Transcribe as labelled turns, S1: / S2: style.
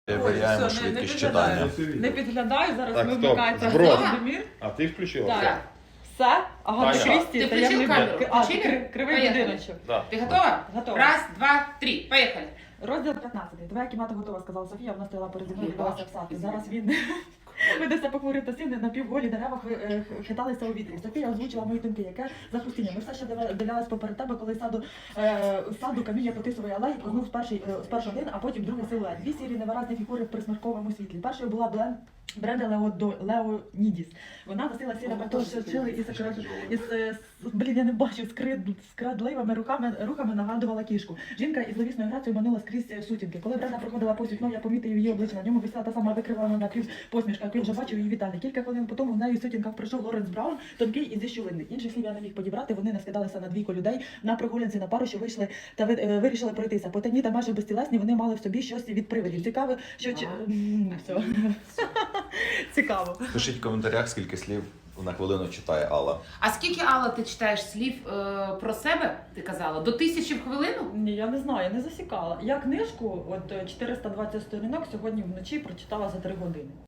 S1: Перевіряємо
S2: Все, не
S1: швидкість
S2: підглядаю.
S1: читання.
S2: Не підглядаю, зараз
S3: Так,
S2: вимикається
S3: стоп, зброс.
S2: Володимир.
S3: А ти включила?
S2: Так. Все, Агата
S3: Таня.
S2: Крісті,
S4: Ти
S2: таємний
S4: включив камеру?
S2: бік. А,
S4: Включили?
S2: кривий
S4: Поїхали.
S2: будиночок.
S3: Да.
S4: Ты готова?
S2: Готова.
S4: Раз, два, три. Поехали.
S2: Розділ 15. Твоя кімната готова, сказала Софія, вона стояла перед мною і дивилася в сад. І зараз він видався похмурий та сильний, напівголі дерева хиталися у вітрі. Софія озвучила мої думки, яке запустіння. Ми все ще дивлялись поперед тебе, коли саду каміння по тисової алеї познув спершу один, а потім другий силует. Дві сірі невиразні фігури в присмерковому світлі. Першою була Бренда Леонідіс. Вона носила сіре пальто, що шили я не бачу, скрадливими рухами нагадувала кішку. Жінка із зловісною грацією манула скрізь сутінки. Коли Бренда проходила повз вікно, я помітив її обличчя. На ньому висіла та сама викривана напів посмішка. Він вже бачив її вітальник. Кілька хвилин по тому в неї в сутінках прийшов Лоренс Браун, тонкий і зіщулинний. Інших слів я не міг підібрати. Вони наскидалися на двійко людей на прогулянці на пару, що вийшли та вирішили пройтися. Потайні та майже безтілесні, вони мали в собі щось від привидів. Цікаве, що все. Цікаво.
S1: Пишіть в коментарях, скільки слів на хвилину читає Алла.
S4: А скільки, Алла, ти читаєш слів про себе, ти казала? До 1000 в хвилину?
S2: Ні, я не знаю, не засікала. Я книжку, 420 сторінок, сьогодні вночі прочитала за 3 години.